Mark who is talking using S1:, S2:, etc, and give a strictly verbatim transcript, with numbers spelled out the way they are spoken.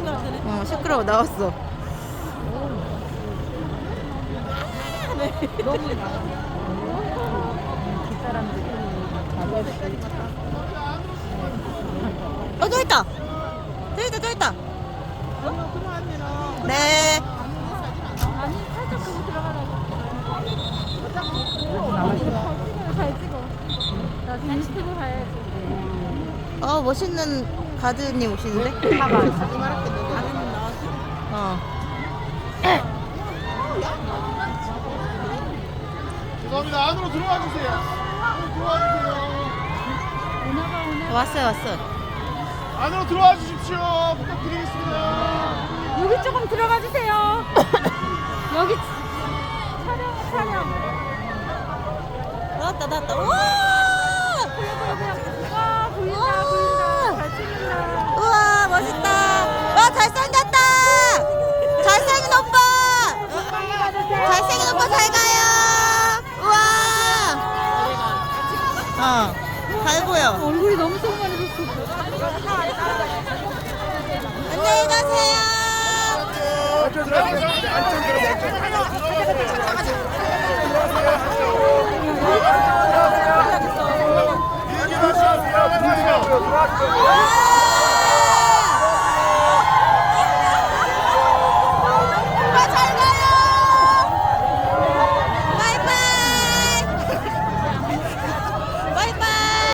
S1: 어, 시끄러워. 나왔어.
S2: 너무 뒷사람들이
S1: 어, 또 있다. 또 있다, 또 있다. 네.
S2: 아니 살짝 그거 들어가라고. 잘 찍어. 나 인스타로 가야지.
S1: 어, 멋있는 가드님 오시는데?
S2: 봐봐.
S1: 어.
S3: 죄송합니다. 안으로 들어와 주세요. 안으로 들어와 주세요.
S2: 오나가 오나.
S1: 왔어요, 왔어.
S3: 안으로 들어와 주십시오. 부탁드리겠습니다.
S2: 여기 조금 들어가 주세요. 여기 촬영 촬영.
S1: 나왔다, 나왔다. 우와!
S2: 와 보인다 보인다. 잘 찍는다.
S1: 우와, 멋있다. 와, 잘생겼다. 잘생긴 오빠. 잘생긴 오빠 잘 가요. 우와. 어, 잘 보여.
S2: 얼굴이 너무 성만해졌어.
S1: 안녕히 가세요.
S3: 안쪽 들어가세요. 안쪽 들어가세요.